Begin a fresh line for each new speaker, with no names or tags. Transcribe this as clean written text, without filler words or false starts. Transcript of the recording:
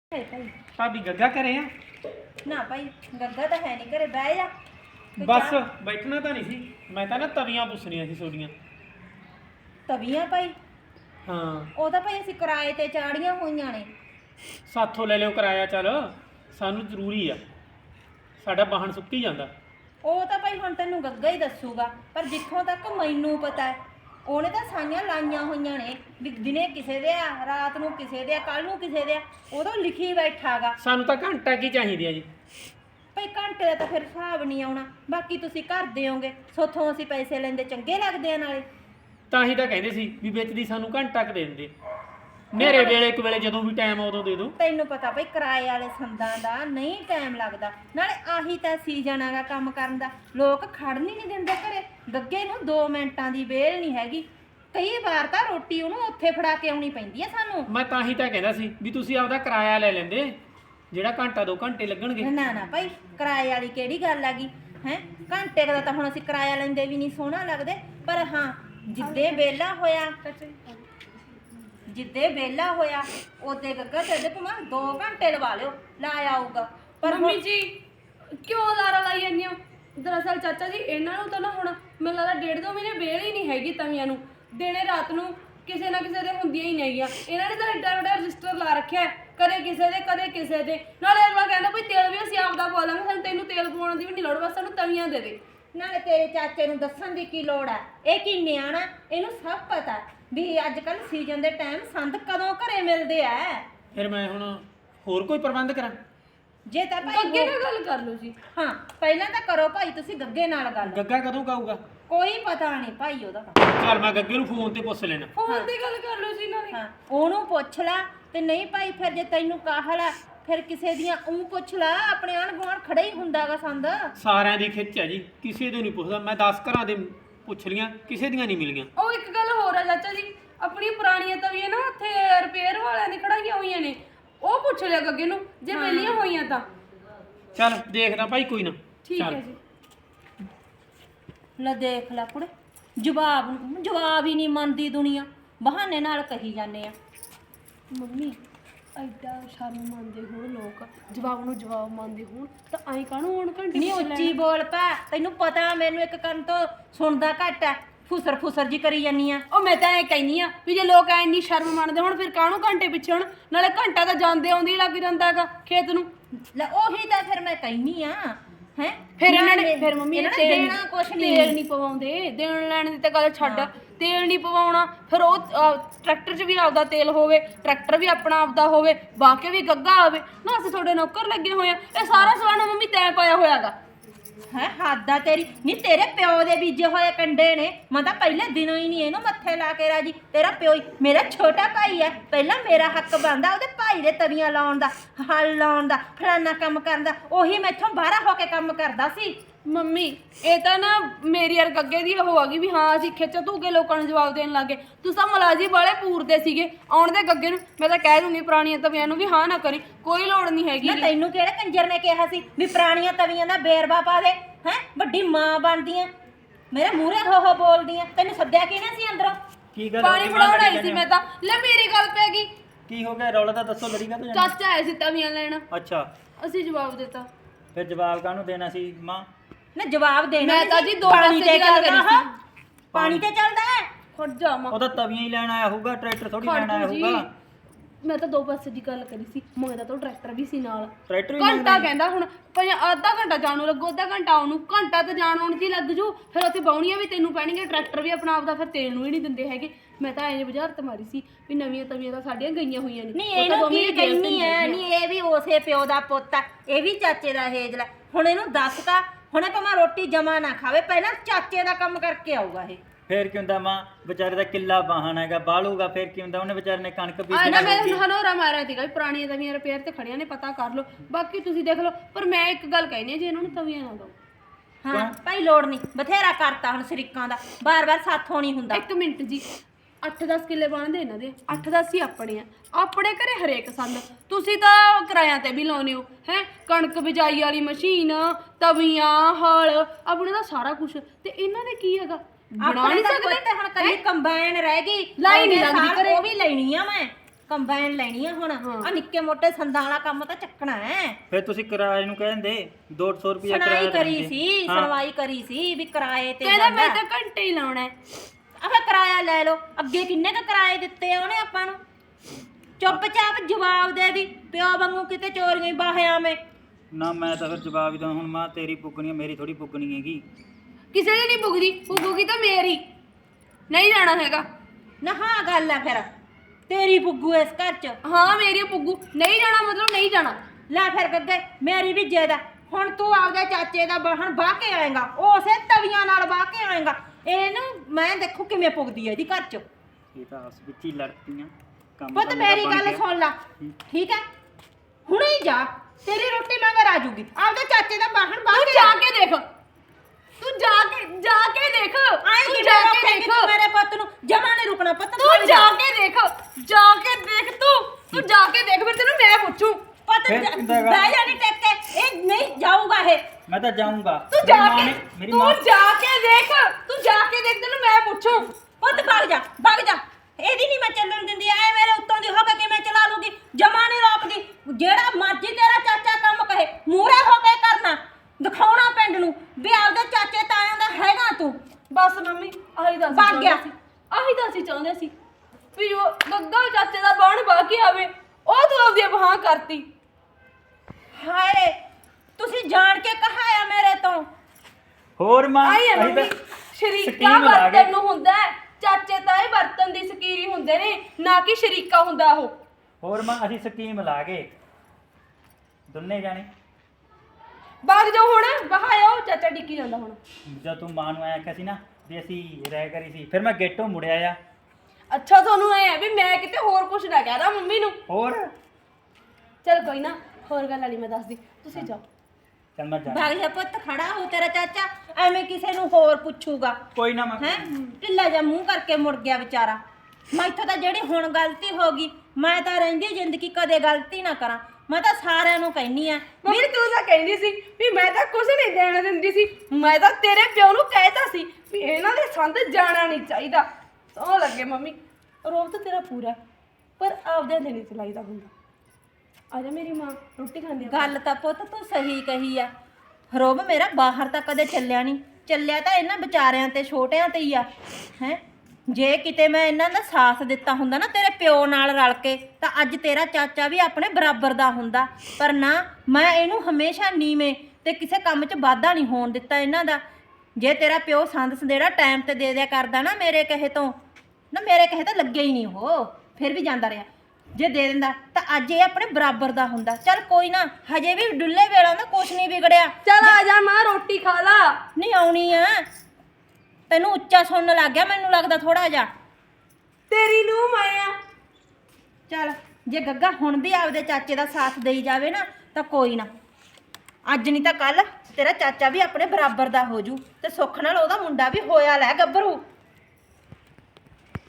भाभी गग्गा करे हैं
ना भाई गग्गा तो है नहीं घरे बह जा
बस बैठना तो नहीं सी मैं तो ना तवियां पुछनियां सी सोडियां
तवियां भाई
हाँ
ਉਹ ਤਾਂ ਭਾਈ ਅਸੀਂ ਕਿਰਾਏ ਤੇ ਚਾੜੀਆਂ ਹੋਈਆਂ ਨੇ
साथों ले लियो किराया चल सानू जरूरी आ साडा वाहन सुक्की ਜਾਂਦਾ
ਉਹ ਤਾਂ ਭਾਈ ਹੁਣ ਤੈਨੂੰ ਗੱਗਾ ਹੀ ਦੱਸੂਗਾ ਪਰ ਜਿੱਥੋਂ ਤੱਕ ਮੈਨੂੰ ਪਤਾ ਹੈ ਉਹਨੇ ਤਾਂ ਸਾਈਆਂ ਲਾਈਆਂ ਹੋਈਆਂ ਨੇ ਵੀ ਦਿਨੇ ਕਿਸੇ ਦੇ ਆ ਰਾਤ ਨੂੰ ਕਿਸੇ ਦੇ ਆ ਕੱਲ ਨੂੰ ਕਿਸੇ ਦੇ ਆ ਉਦੋਂ ਲਿਖੀ ਬੈਠਾਗਾ
ਸਾਨੂੰ ਤਾਂ ਘੰਟਾ ਕੀ ਚਾਹੀਦੀ ਆ ਜੀ
ਭਾਈ ਘੰਟੇ ਦਾ ਤਾਂ ਫਿਰ ਹਿਸਾਬ ਨਹੀਂ ਆਉਣਾ ਬਾਕੀ ਤੁਸੀਂ ਘਰ ਦਿਓਗੇ ਸੋਥੋਂ ਅਸੀਂ ਪੈਸੇ ਲੈਂਦੇ ਚੰਗੇ ਲੱਗਦੇ ਆ ਨਾਲੇ
ਤਾਂ ਹੀ ਤਾਂ ਕਹਿੰਦੇ ਸੀ ਵੀ ਵਿੱਚ ਦੀ ਸਾਨੂੰ ਘੰਟਾ ਕ ਦੇ ਦਿੰਦੇ ਨੇਰੇ ਵੇਲੇ ਇੱਕ ਵੇਲੇ ਜਦੋਂ ਵੀ ਟਾਈਮ ਉਦੋਂ ਦੇ ਦੋ
ਤੈਨੂੰ ਪਤਾ ਭਾਈ ਕਿਰਾਏ ਵਾਲੇ ਸੰਦਾਂ ਦਾ ਨਹੀਂ ਟਾਈਮ ਲੱਗਦਾ ਨਾਲੇ ਆਹੀ ਤਾਂ ਸੀਜ਼ਨ ਆਗਾ ਕੰਮ ਕਰਨ ਦਾ ਲੋਕ ਖੜਨ ਹੀ ਨਹੀਂ ਦਿੰਦੇ ਘਰੇ ਗੱਗੇ ਨੂੰ 2 ਮਿੰਟਾਂ ਦੀ ਵੇਲ ਨਹੀਂ ਹੈਗੀ ਕਈ ਵਾਰ ਤਾਂ ਰੋਟੀ ਉਹਨੂੰ ਉੱਥੇ ਫੜਾ ਕੇ ਆਉਣੀ ਪੈਂਦੀ ਆ ਸਾਨੂੰ
ਮੈਂ ਤਾਂ ਹੀ ਤਾਂ ਕਹਿੰਦਾ ਸੀ ਵੀ ਤੁਸੀਂ ਆਪਦਾ ਕਿਰਾਇਆ ਲੈ ਲੈਂਦੇ ਜਿਹੜਾ ਘੰਟਾ 2 ਘੰਟੇ ਲੱਗਣਗੇ
ਨਾ ਨਾ ਭਾਈ ਕਿਰਾਏ ਵਾਲੀ ਕਿਹੜੀ ਗੱਲ ਆ ਗਈ ਹੈ ਘੰਟੇ ਦਾ ਤਾਂ ਹੁਣ ਅਸੀਂ ਕਿਰਾਇਆ ਲੈਂਦੇ ਵੀ ਨਹੀਂ ਸੋਹਣਾ ਲੱਗਦੇ ਪਰ ਹਾਂ ਜਿੱਦੇ ਵੇਲਾ ਹੋਇਆ ਉਹਦੇ ਗੱਗਾ ਤੇ ਭਾਵੇਂ 2 ਘੰਟੇ ਲਵਾ ਲਿਓ ਲਾ ਆਊਗਾ
ਪਰ ਮੰਮੀ ਜੀ ਕਿਉਂ ਲਾਰਾ ਲਾਈ ਜਾਂਦੇ ਹੋ ਦਰਅਸਲ ਚਾਚਾ ਜੀ ਇਹਨਾਂ ਨੂੰ ਤਾਂ ਨਾ ਹੁਣ ਮੈਨੂੰ ਲੱਗਦਾ 1.5-2 ਮਹੀਨੇ ਵੇਲ ਹੀ ਨਹੀਂ ਹੈਗੀ ਤਵੀਆਂ ਨੂੰ ਦਿਨੇ ਰਾਤ ਨੂੰ ਕਿਸੇ ਨਾ ਕਿਸੇ ਦੇ ਹੁੰਦੀਆਂ ਹੀ ਨਹੀਂ ਹੈਗੀਆਂ ਇਹਨਾਂ ਨੇ ਤਾਂ ਏਡਾ ਵੱਡਾ ਰਜਿਸਟਰ ਲਾ ਰੱਖਿਆ ਕਦੇ ਕਿਸੇ ਦੇ ਕਦੇ ਕਿਸੇ ਦੇ ਨਾਲੇ ਅਗਲਾ ਕਹਿੰਦਾ ਭਈ ਤੇਲ ਵੀ ਅਸੀਂ ਆਪਦਾ ਪਵਾ ਲਾਂਗੇ ਸਾਨੂੰ ਤੈਨੂੰ ਤੇਲ ਪਵਾਉਣ ਦੀ ਵੀ ਨਹੀਂ ਲੋੜ ਬਸ ਸਾਨੂੰ ਤਵੀਆਂ ਦੇ ਦੇ
ਨਾਲੇ ਤੇਰੇ ਚਾਚੇ ਨੂੰ ਦੱਸਣ ਦੀ ਕੀ ਲੋੜ ਆ ਇਹ ਕੀ ਨਿਆਣਾ ਇਹਨੂੰ ਸਭ ਪਤਾ ਵੀ ਅੱਜ ਕੱਲ ਸੀਜ਼ਨ ਦੇ ਟਾਈਮ ਸੰਦ ਕਦੋਂ ਘਰੇ ਮਿਲਦੇ ਆ
ਫਿਰ ਮੈਂ ਹੁਣ ਹੋਰ ਕੋਈ ਪ੍ਰਬੰਧ ਕਰਾਂ
ਜੇ ਤਾਂ ਭਾਈ
ਅੱਗੇ ਨਾਲ ਗੱਲ ਕਰ ਲਓ ਜੀ
ਹਾਂ ਪਹਿਲਾਂ ਤਾਂ ਕਰੋ ਭਾਈ ਤੁਸੀਂ ਗੱਗੇ ਨਾਲ ਗੱਲ
ਗੱਗਾ ਕਦੋਂ ਕਾਊਗਾ
ਕੋਈ ਪਤਾ ਨਹੀਂ ਭਾਈ ਉਹਦਾ
ਚੱਲ ਮੈਂ ਗੱਗੇ ਨੂੰ ਫੋਨ ਤੇ ਪੁੱਛ ਲੈਣਾ
ਫੋਨ ਤੇ ਗੱਲ ਕਰ ਲਓ ਜੀ ਨਾਲੇ
ਹਾਂ ਉਹਨੂੰ ਪੁੱਛ ਲੈ ਤੇ ਨਹੀਂ ਭਾਈ ਫਿਰ ਜੇ ਤੈਨੂੰ ਕਾਹਲ ਆ ਫਿਰ ਕਿਸੇ ਦੀਆਂ ਪੁੱਛ ਲੈ ਆਪਣੇ ਆਣ ਗੁਆਂਢ ਖੜਾ ਹੀ ਹੁੰਦਾਗਾ ਸੰਦ
ਸਾਰਿਆਂ ਦੀ ਖਿੱਚ ਹੈ ਜੀ ਕਿਸੇ ਦੇ ਨਹੀਂ ਪੁੱਛਦਾ ਮੈਂ 10 ਘਰਾਂ ਦੇ ਪੁੱਛ ਲੀਆਂ ਕਿਸੇ ਦੀਆਂ ਨਹੀਂ ਮਿਲੀਆਂ
ਉਹ ਇੱਕ ਗੱਲ ਹੋਰ ਆ ਚਾਚਾ ਜੀ ਆਪਣੀ ਪੁਰਾਣੀਆਂ ਤਵੀਆਂ ਨਾ ਉੱਥੇ ਰਿਪੇਅਰ ਵਾਲਿਆਂ ਦੀ ਖੜਾਈਆਂ ਹੋਈਆਂ ਨੇ ਉਹ ਪੁੱਛ ਲਿਆ ਗੱਗੇ ਨੂੰ ਜੇ ਵੇਲੀਆਂ ਹੋਈਆਂ ਤਾਂ
ਚੱਲ ਦੇਖਦਾ ਭਾਈ ਕੋਈ ਨਾ
ਠੀਕ ਹੈ ਜੀ
ਲੈ ਦੇਖ ਲੈ ਕੁੜੇ ਜਵਾਬ ਹੀ ਨਹੀਂ ਮੰਨਦੀ ਦੁਨੀਆ ਬਹਾਨੇ ਨਾਲ ਕਹੀ ਜਾਂਦੇ ਆ
ਮੰਮੀ ਐਡਾ ਸ਼ਰਮ ਮੰਨਦੇ ਹੋਣ ਲੋਕ ਜਵਾਬ ਨੂੰ ਜਵਾਬ ਮੰਨਦੇ ਹੋਣ ਤਾਂ ਐਂ ਕਾਹਨੂੰ ਹੁਣ ਘੰਟੇ
ਨਹੀਂ ਉੱਚੀ ਬੋਲ ਪਾ ਤੈਨੂੰ ਪਤਾ ਮੈਨੂੰ ਇੱਕ ਕੰਨ ਤੋਂ ਸੁਣਦਾ ਘੱਟ ਆ ਫੁਸਰ ਜੀ ਕਰੀ ਜਾਨੀ ਆ
ਉਹ ਮੈਂ ਤਾਂ ਐਂ ਕਹਿੰਨੀ ਆ ਵੀ ਜੇ ਲੋਕ ਐ ਇੰਨੀ ਸ਼ਰਮ ਮੰਨਦੇ ਹੁਣ ਫਿਰ ਕਾਹਨੂੰ ਘੰਟੇ ਪਿੱਛੇ ਹੁਣ ਨਾਲੇ ਘੰਟਾ ਤਾਂ ਜਾਂਦੇ ਆਉਂਦੀ ਲੱਗ ਜਾਂਦਾ ਹੈਗਾ ਖੇਤ ਨੂੰ
ਲੈ ਉਹੀ ਤਾਂ ਫਿਰ ਮੈਂ ਕਹਿੰਨੀ ਆ ਹੈ
ਫਿਰ ਇਹਨਾਂ ਨੇ ਫਿਰ ਮੰਮੀ
ਇਹਨਾਂ
ਨੇ
ਨੇ ਦੇਣਾ ਕੁਛ ਨਹੀਂ
ਤੇਲ ਨਹੀਂ ਪਵਾਉਂਦੇ ਦੇਣ ਲੈਣ ਦੀ ਤਾਂ ਗੱਲ ਛੱਡ ਤੇਲ ਨਹੀਂ ਪਵਾਉਣਾ ਫਿਰ ਉਹ ਟਰੈਕਟਰ 'ਚ ਵੀ ਆਪਦਾ ਤੇਲ ਹੋਵੇ ਟਰੈਕਟਰ ਵੀ ਆਪਣਾ ਆਪਦਾ ਹੋਵੇ ਬਾਕੀ ਵੀ ਗੱਗਾ ਹੋਵੇ ਨਾ ਅਸੀਂ ਤੁਹਾਡੇ ਨੌਕਰ ਲੱਗੇ ਹੋਏ ਆ ਇਹ ਸਾਰਾ ਸਵਾਣਾ ਮੰਮੀ ਤੈਂ ਪਾਇਆ ਹੋਇਆਗਾ
ਹੈ ਹੱਦ ਆ ਤੇਰੀ ਨਹੀਂ ਤੇਰੇ ਪਿਓ ਦੇ ਬੀਜੇ ਹੋਏ ਕੰਡੇ ਨੇ ਮੈਂ ਤਾਂ ਪਹਿਲੇ ਦਿਨੋਂ ਹੀ ਨਹੀਂ ਇਹਨੂੰ ਮੱਥੇ ਲਾ ਕੇ ਰਾਜੀ ਤੇਰਾ ਪਿਓ ਹੀ ਮੇਰਾ ਛੋਟਾ ਭਾਈ ਹੈ ਪਹਿਲਾਂ ਮੇਰਾ ਹੱਕ ਬਣਦਾ ਉਹਦੇ ਭਾਈ ਦੇ ਤਵੀਆਂ ਲਾਉਣ ਦਾ ਹਲ ਲਾਉਣ ਦਾ ਫਲਾਨਾ ਕੰਮ ਕਰਨ ਦਾ ਉਹੀ ਮੈਥੋਂ ਬਾਹਰ ਹੋ ਕੇ ਕੰਮ ਕਰਦਾ ਸੀ
ਮੰਮੀ ਇਹ ਤਾਂ ਨਾ ਮੇਰੀ ਯਾਰ ਗੱਗੇ ਦੀ ਉਹ ਆ ਗਈ ਵੀ ਹਾਂ ਅਸੀਂ ਖਿੱਚ ਧੂਕੇ ਲੋਕਾਂ ਨੂੰ ਜਵਾਬ ਦੇਣ ਲੱਗੇ ਤੁਸੀਂ ਤਾਂ ਮਲਾਜੀ ਵਾਲੇ ਪੂਰਦੇ ਸੀਗੇ ਆਉਣ ਦੇ ਗੱਗੇ ਨੂੰ ਮੈਂ ਤਾਂ ਕਹਿ ਦੂੰਗੀ ਪੁਰਾਣੀਆਂ ਤਵੀਆਂ ਨੂੰ ਵੀ ਹਾਂ ਨਾ ਕਰੀ ਕੋਈ ਲੋੜ ਨਹੀਂ ਹੈਗੀ
ਨਾ ਤੈਨੂੰ ਕਿਹੜੇ ਕੰਜਰ ਨੇ ਕਿਹਾ ਸੀ ਵੀ ਪੁਰਾਣੀਆਂ ਤਵੀਆਂ ਦਾ ਬੇਰਵਾ ਪਾ ਦੇ ਹੈ ਵੱਡੀ ਮਾਂ ਬਣਦੀਆਂ ਮੇਰੇ ਮੂਹਰੇ ਹੋ ਬੋਲਦੀਆਂ ਤੈਨੂੰ ਸੱਦਿਆ ਕਿਹਨੇ ਸੀ ਅੰਦਰੋਂ
ਕੀ ਗੱਲ
ਪਾਣੀ ਫੜਾਉਣ ਆਈ ਸੀ ਮੈਂ ਤਾਂ ਲੈ ਮੇਰੀ ਗੱਲ ਪੈ ਗਈ
ਕੀ ਹੋ ਗਿਆ ਰੌਲਾ ਤਾਂ ਦੱਸੋ ਲੜੀਗਾ ਤੂੰ
ਚਾਚਾ ਆਏ ਸੀ ਤਵੀਆਂ ਲੈਣ
ਅੱਛਾ
ਅਸੀਂ ਜਵਾਬ ਦਿੱਤਾ
ਫਿਰ ਜਵਾਬ ਕਾਹਨੂੰ ਦੇਣਾ ਸੀ ਮਾਂ
ਨਾ ਜਵਾਬ ਦੇਣਾ
ਮੈਂ ਤਾਂ ਜੀ 2
ਪਾਣੀ
ਪਾਸੇ ਦੀ ਗੱਲ ਕਰੀ ਸੀ
ਪਾਣੀ ਤੇ ਚੱਲਦਾ ਹੈ
ਖੜ ਜਾ ਮਾਂ
ਉਹ ਤਾਂ ਤਵੀਆਂ ਹੀ ਲੈਣ ਆਇਆ ਹੋਊਗਾ ਟਰੈਕਟਰ ਥੋੜੀ ਲੈਣ ਆਇਆ ਹੋਊਗਾ
ਮੈਂ ਤਾਂ 2 ਪਾਸੇ ਦੀ ਗੱਲ ਕਰੀ ਸੀ ਮੰਗਦਾ ਤਾਂ ਟਰੈਕਟਰ ਵੀ ਸੀ ਨਾਲ
ਟਰੈਕਟਰ ਵੀ
ਘੰਟਾ ਕਹਿੰਦਾ ਹੁਣ ਭਾਵੇਂ ਅੱਧਾ ਘੰਟਾ ਜਾਣ ਨੂੰ ਲੱਗੋ ਅੱਧਾ ਘੰਟਾ ਆਉਣ ਨੂੰ ਘੰਟਾ ਤਾਂ ਜਾਣ ਆਉਣ 'ਚ ਹੀ ਲੱਗ ਜੂ ਫਿਰ ਉੱਥੇ ਬਾਉਣੀਆਂ ਵੀ ਤੈਨੂੰ ਪੈਣਗੀਆਂ ਟਰੈਕਟਰ ਵੀ ਆਪਣਾ ਆਪਦਾ ਫਿਰ ਤੇਲ ਨੂੰ ਹੀ ਨਹੀਂ ਦਿੰਦੇ ਹੈਗੇ ਮੈਂ ਤਾਂ ਐਂ ਬੁਝਾਰਤ ਮਾਰੀ ਸੀ ਵੀ ਨਵੀਆਂ ਤਵੀਆਂ ਤਾਂ ਸਾਡੀਆਂ ਗਈਆਂ ਹੋਈਆਂ ਨੇ
ਨਹੀਂ ਇਹਨੂੰ ਕੀ ਕਹਿਨੀ ਐ ਨਹੀਂ ਇਹ ਵੀ ਉਸੇ ਪਿਓ ਦਾ ਪੁੱਤ ਆ ਇਹ ਵੀ ਚਾਚੇ ਦਾ ਹੇਜਲਾ ਹੁਣ ਇਹਨੂੰ ਦੱਸਤਾ ਹੁਣੇ ਭਾਵੇਂ ਰੋਟੀ ਜਮਾ ਨਾ ਖਾਵੇ ਪਹਿਲਾਂ ਚਾਚੇ ਦਾ ਕੰਮ ਕਰਕੇ ਆਊਗਾ ਇਹ
ਫੇਰ ਕੀ ਹੁੰਦਾ ਮਾਂ ਵਿਚਾਰੇ ਦਾ ਕਿੱਲਾ ਬਾਹਣ ਹੈਗਾ ਬਾਲੂਗਾ ਫੇਰ ਕੀ ਹੁੰਦਾ ਉਹਨੇ ਵਿਚਾਰੇ ਨੇ ਕਣਕ
ਆ
ਬੀਜਣੀ
ਨਾ ਮੈਂ ਹਨੋਰਾ ਮਾਰਿਆ ਸੀਗਾ ਵੀ ਪੁਰਾਣੀਆਂ ਤਵੀਆਂ ਰਿਪੇਅਰ ਤੇ ਖੜੀਆਂ ਨੇ ਪਤਾ ਕਰ ਲਓ ਬਾਕੀ ਤੁਸੀਂ ਦੇਖ ਲਓ ਪਰ ਮੈਂ ਇੱਕ ਗੱਲ ਕਹਿਨੀ ਆ ਜੇ ਇਹਨਾਂ ਨੂੰ ਤਵੀਆਂ ਨਾ ਦਿਓ
ਹਾਂ ਭਾਈ ਲੋੜ ਨਹੀਂ ਬਥੇਰਾ ਕਰਤਾ ਹੁਣ ਸ਼ਰੀਕਾਂ ਦਾ ਬਾਰ-ਬਾਰ ਸਾਥੋਂ ਨਹੀਂ ਹੁੰਦਾ
1 ਮਿੰਟ ਜੀ 8-10 ਕਿੱਲੇ ਬਣਦੇ ਇਹਨਾਂ ਦੇ 8-10 ਹੀ ਆਪਣੇ ਆ ਆਪਣੇ ਘਰੇ ਹਰੇਕ ਸੰਦ ਤੁਸੀਂ ਤਾਂ ਕਿਰਾਇਆਂ ਤੇ ਵੀ ਲਾਉਨੇ ਹੋ ਹੈ ਕਣਕ ਬਿਜਾਈ ਵਾਲੀ ਮਸ਼ੀਨ ਤਵੀਆਂ ਹਲ ਆਪਣੇ ਦਾ ਸਾਰਾ ਕੁਝ ਤੇ ਇਹਨਾਂ ਦੇ ਕੀ ਹੈਗਾ ਬਣਾ ਨਹੀਂ ਸਕਦੇ
ਹੁਣ ਕੱਲੀ ਕੰਬਾਈਨ ਰਹਿ ਗਈ
ਲਾਈ ਨਹੀਂ ਜਾਂਦੀ
ਘਰੇ ਉਹ ਵੀ ਲੈਣੀ ਆ ਮੈਂ ਕੰਬਾਈਨ ਲੈਣੀ ਆ ਹੁਣ ਆ ਨਿੱਕੇ ਮੋਟੇ ਸੰਦਾਂ ਵਾਲਾ ਕੰਮ ਤਾਂ ਚੱਕਣਾ ਹੈ।
ਫਿਰ ਤੁਸੀਂ ਕਿਰਾਏ ਨੂੰ ਕਹਿੰਦੇ 200 ਰੁਪਇਆ
ਸੁਣਵਾਈ
ਕਿਰਾਇਆ
ਕਰੀ
ਦੇਣਗੇ।
ਸੀ
ਹਾਂ।
ਸੁਣਵਾਈ ਕਰੀ ਸੀ ਵੀ ਕਿਰਾਏ ਤੇ
ਕਹਿੰਦਾ ਮੈਂ
ਜਾਂਦਾ
ਤਾਂ ਘੰਟੇ ਹੀ ਲਾਉਣਾ ਹੈ।
ਆਹ ਕਿਰਾਇਆ ਲੈ ਲਓ। ਅੱਗੇ ਕਿੰਨੇ ਕ ਕਿਰਾਏ ਦਿੱਤੇ ਆ ਉਹਨੇ ਆਪਾਂ ਨੂੰ? ਚੁੱਪਚਾਪ ਜਵਾਬ ਦੇ ਦੀ ਪਿਓ ਵਾਂਗੂ ਕਿਤੇ ਚੋਰੀਆਂ ਹੀ ਬਾਹਿਆ ਮੈਂ।
ਨਾ ਮੈਂ ਤਾਂ ਫਿਰ ਜਵਾਬ ਹੀ ਦਵਾਂ ਹੁਣ ਮਾਂ ਤੇਰੀ ਪੁੱਗਣੀ ਆ ਮੇਰੀ ਥੋੜੀ ਪੁੱਗਣੀ ਹੈਗੀ।
ਕਿਸੇ ਦੀ ਨਹੀਂ ਪੁੱਗਦੀ, ਪੁੱਗੂਗੀ ਤਾਂ ਮੇਰੀ। ਨਹੀਂ ਜਾਣਾ ਹੈਗਾ।
ਨਾ ਹਾਂ ਗੱਲ ਆ ਫਿਰ ਤੇਰੀ ਪੁੱਗੂ ਇਸ ਘਰ ਚ।
ਹਾਂ ਮੇਰੀ ਪੁੱਗੂ, ਨਹੀਂ ਜਾਣਾ ਮਤਲਬ ਨਹੀਂ ਜਾਣਾ।
ਲੈ ਫਿਰ ਗੱਗੇ ਮੇਰੀ ਵੀ ਜਿੱਦ ਆ। ਹੁਣ ਤੂੰ ਆਪਦੇ ਚਾਚੇ ਦਾ ਬਾਹਣ ਬਾਹ ਕੇ ਆਏਗਾ, ਉਸੇ ਤਵੀਆਂ ਨਾਲ ਬਾਹ ਕੇ ਆਏਗਾ। ਇਹਨੂੰ ਮੈਂ ਦੇਖੂ ਕਿਵੇਂ ਪੁੱਗਦੀ ਹੈ ਇਹਦੀ ਘਰ ਚ।
ਇਹ ਤਾਂ ਆਪਸ ਵਿੱਚ ਹੀ ਲੜਦੀਆਂ ਕੰਮ
ਪੁੱਤ
ਤਾਂ ਮੇਰਾ
ਮੇਰੀ
ਬਣ
ਗੱਲ
ਗਿਆ।
ਸੁਣ ਲਾ, ਠੀਕ ਹੈ? ਹੁਣੇ ਹੀ ਜਾ, ਤੇਰੀ ਰੋਟੀ ਮਗਰ ਆ ਜੂਗੀ। ਆਪਦੇ ਚਾਚੇ ਦਾ ਬਾਹਣ ਬਾਹ
ਤੂੰ
ਕੇ
ਜਾ ਕੇ ਦੇਖ, ਤੂੰ ਜਾ ਕੇ ਦੇਖ,
ਆਏ
ਤੂੰ
ਕਿਵੇਂ
ਜਾ ਕੇ
ਰੋਕੇਂਗੀ
ਦੇਖ,
ਤੂੰ ਮੇਰੇ ਪੁੱਤ ਨੂੰ? ਜਮਾ ਨਹੀਂ ਰੁਕਣਾ ਪੁੱਤ।
ਤੂੰ ਜਾ ਕੇ ਦੇਖ, ਜਾ ਕੇ ਦੇਖ, ਤੂੰ ਜਾ ਕੇ ਦੇਖ, ਫਿਰ ਤੈਨੂੰ ਮੈਂ ਪੁੱਛੂ।
ਪੁੱਤ
ਫਿਰ ਕਿੱਦਾਂ ਗਾ?
ਬਹਿ ਜਾ ਨਹੀਂ ਟਿਕ ਕੇ, ਇਹ ਨਹੀਂ ਜਾਊਗਾ ਇਹ।
ਮੈਂ ਤਾਂ ਜਾਊਂਗਾ।
ਤੂੰ ਜਾ
ਮੇਰੀ ਮਾਂ
ਕੇ
ਨੇ- ਮੇਰੀ
ਤੂੰ
ਮਾਂ
ਜਾ ਕੇ ਦੇਖ, ਤੂੰ ਜਾ ਕੇ ਦੇਖ, ਤੈਨੂੰ ਮੈਂ ਪੁੱਛੂ।
ਪੁੱਤ ਭੱਗ ਜਾ ਭੱਗ ਜਾ। ਇਹਦੀ ਨਹੀਂ ਮੈਂ ਚੱਲਣ ਦਿੰਦੀ। ਐ ਮੇਰੇ ਉੱਤੋਂ ਦੀ ਹੋ ਕੇ ਕਿਵੇਂ ਚਲਾ ਲੂਗੀ? ਜਮਾ ਨਹੀਂ ਰੋਕਦੀ। ਜਿਹੜਾ ਮਰਜ਼ੀ ਤੇਰਾ ਚਾਚਾ ਕੰਮ ਕਹੇ ਮੂਹਰੇ ਹੋ ਕੇ ਕਰਨਾ, ਦਿਖਾਉਣਾ ਪਿੰਡ ਨੂੰ ਵੀ ਆਪਦੇ ਚਾਚੇ ਤਾਇਆਂ ਦਾ ਹੈਗਾ ਤੂੰ।
ਬਸ ਮੰਮੀ ਆਹੀ ਦੱਸ
ਭੱਗ ਗਿਆ।
ਆਹੀ ਤਾਂ ਅਸੀਂ ਚਾਹੁੰਦੇ ਸੀ ਵੀ ਉਹ ਗੱਗਾ ਚਾਚੇ ਦਾ ਬਾਣ ਬਾ ਕੇ ਆਵੇ। ਉਹ ਤੂੰ ਆਪਦੀ ਬਾਹ ਕਰਤੀ।
ਹਾਏ ਤੁਸੀਂ ਜਾਣ ਕੇ ਕਹਾਇਆ ਮੇਰੇ ਤੋਂ।
ਹੋਰ ਮਾਂ
ਆਈ ਹੈ
ਅਸੀਂ
ਮੰਮੀ,
ਤਾਂ
ਸ਼ਰੀਕਾ
ਸਕੀਮ ਲਾ
ਵਰਤਨ
ਕੇ-
ਨੂੰ ਹੁੰਦਾ ਹੈ। ਚਾਚੇ ਤਾਏ ਵਰਤਨ ਦੀ ਸਕੀਰੀ ਹੁੰਦੇ ਨੇ, ਨਾ ਕਿ ਸ਼ਰੀਕਾ ਹੁੰਦਾ ਉਹ।
ਹੋਰ ਮਾਂ ਅਸੀਂ ਸਕੀਮ ਲਾ ਗਏ ਦੋਨੇ ਜਾਣੇ।
ਬਾਗ ਜਾਓ ਹੁਣ, ਬਹਾਇਓ ਚਾਚਾ ਡਿੱਕੀ ਜਾਂਦਾ ਹੁਣ।
ਜਦ ਤੂੰ ਮਾਂ ਨੂੰ ਆਇਆ ਕਿਹਾ ਸੀ ਨਾ ਵੀ ਅਸੀਂ ਰਹਿ ਕਰੀ ਸੀ, ਫਿਰ ਮੈਂ ਗੇਟੋਂ ਮੁੜਿਆ ਆ।
ਅੱਛਾ ਤੁਹਾਨੂੰ ਐ ਵੀ ਮੈਂ ਕਿਤੇ ਹੋਰ ਕੁਝ ਨਾ ਕਹਿ ਰਾਂ ਮੰਮੀ ਨੂੰ।
ਹੋਰ
ਚਲ ਕੋਈ ਨਾ, ਹੋਰ ਗੱਲ ਵਾਲੀ ਮੈਂ ਦੱਸਦੀ, ਤੁਸੀਂ ਜਾਓ।
ਚੱਲ ਮੈਂ ਜਾ
ਭੱਗ ਜਾ ਪੁੱਤ, ਖੜਾ ਹੋ ਤੇਰਾ ਚਾਚਾ ਐਵੇਂ ਕਿਸੇ ਨੂੰ ਹੋਰ ਪੁੱਛੂਗਾ।
ਕੋਈ ਨਾ ਮਾਂ।
ਹੈ ਢਿੱਲਾ ਜਿਹਾ ਮੂੰਹ ਕਰਕੇ ਮੁੜ ਗਿਆ ਵਿਚਾਰਾ। ਮੈਥੋਂ ਤਾਂ ਜਿਹੜੀ ਹੁਣ ਗਲਤੀ ਹੋ ਗਈ, ਮੈਂ ਤਾਂ ਰਹਿੰਦੀ ਜ਼ਿੰਦਗੀ ਕਦੇ ਗਲਤੀ ਨਾ ਕਰਾਂ। ਮੈਂ ਤਾਂ ਸਾਰਿਆਂ ਨੂੰ ਕਹਿੰਨੀ ਆ
ਮੰਮੀ ਤੂੰ ਤਾਂ ਕਹਿੰਦੀ ਸੀ ਵੀ ਮੈਂ ਤਾਂ ਕੁਝ ਨਹੀਂ ਦੇਣ ਦਿੰਦੀ ਸੀ। ਮੈਂ ਤਾਂ ਤੇਰੇ ਪਿਓ ਨੂੰ ਕਹਿਤਾ ਸੀ ਵੀ ਇਹਨਾਂ ਦੇ ਸੰਦ ਜਾਣਾ ਨਹੀਂ ਚਾਹੀਦਾ। ਸੌ ਲੱਗੇ ਮੰਮੀ, ਰੋਬ ਤਾਂ ਤੇਰਾ ਪੂਰਾ, ਪਰ ਆਪਦੇ ਦੇ ਨਹੀਂ ਚਲਾਈਦਾ ਹੁੰਦਾ। ਆ ਜਾ ਮੇਰੀ ਮਾਂ ਰੋਟੀ ਖਾਂਦੀ ਆ।
ਗੱਲ ਤਾਂ ਪੁੱਤ ਤੂੰ ਸਹੀ ਕਹੀ ਆ। ਰੋਬ ਮੇਰਾ ਬਾਹਰ ਤਾਂ ਕਦੇ ਚੱਲਿਆ ਨਹੀਂ। ਚੱਲਿਆ ਤਾਂ ਇਹਨਾਂ ਵਿਚਾਰਿਆਂ ਤੇ ਛੋਟਿਆਂ ਤੇ ਹੀ ਆ। ਹੈ ਜੇ ਕਿਤੇ ਮੈਂ ਇਹਨਾਂ ਦਾ ਸਾਥ ਦਿੱਤਾ ਹੁੰਦਾ ਨਾ ਤੇਰੇ ਪਿਓ ਨਾਲ ਰਲ ਕੇ, ਤਾਂ ਅੱਜ ਤੇਰਾ ਚਾਚਾ ਵੀ ਆਪਣੇ ਬਰਾਬਰ ਦਾ ਹੁੰਦਾ। ਪਰ ਨਾ, ਮੈਂ ਇਹਨੂੰ ਹਮੇਸ਼ਾ ਨੀਵੇਂ ਤੇ ਕਿਸੇ ਕੰਮ 'ਚ ਵਾਧਾ ਨਹੀਂ ਹੋਣ ਦਿੱਤਾ ਇਹਨਾਂ ਦਾ। ਜੇ ਤੇਰਾ ਪਿਓ ਸੰਦ ਸੰਦੇੜਾ ਟਾਈਮ ਤੇ ਦੇ ਦਿਆ ਕਰਦਾ ਨਾ ਮੇਰੇ ਕਹੇ ਤੋਂ, ਨਾ ਮੇਰੇ ਕਹੇ ਤਾਂ ਲੱਗਿਆ ਹੀ ਨਹੀਂ ਉਹ, ਫਿਰ ਵੀ ਜਾਂਦਾ ਰਿਹਾ। ਜੇ ਦੇ ਦਿੰਦਾ ਤਾਂ ਅੱਜ ਇਹ ਆਪਣੇ ਬਰਾਬਰ ਦਾ ਹੁੰਦਾ। ਚੱਲ ਕੋਈ ਨਾ, ਹਜੇ ਵੀ ਡੁੱਲੇ ਵੇਲਾ ਦਾ ਕੁਛ ਨਹੀਂ ਵਿਗੜਿਆ।
ਚਲ ਆ ਜਾ ਮਾਂ ਰੋਟੀ ਖਾ ਲਾ।
ਨਹੀਂ ਆਉਣੀ ਆ, ਤੈਨੂੰ ਉੱਚਾ ਸੁਣਨ ਲੱਗ ਗਿਆ ਮੈਨੂੰ ਲੱਗਦਾ ਥੋੜਾ ਜਿਹਾ।
ਤੇਰੀ ਨੂੰ ਮਾਇਆ।
ਚੱਲ ਜੇ ਗੱਗਾ ਹੁਣ ਵੀ ਆਪਦੇ ਚਾਚੇ ਦਾ ਸਾਥ ਦੇਈ ਜਾਵੇ ਨਾ ਤਾਂ ਕੋਈ ਨਾ, ਅੱਜ ਨਹੀਂ ਤਾਂ ਕੱਲ ਤੇਰਾ ਚਾਚਾ ਵੀ ਆਪਣੇ ਬਰਾਬਰ ਦਾ ਹੋ ਜੂ ਤੇ ਸੁੱਖ ਨਾਲ ਉਹਦਾ ਮੁੰਡਾ ਵੀ ਹੋਇਆ ਲੈ ਗੱਭਰੂ।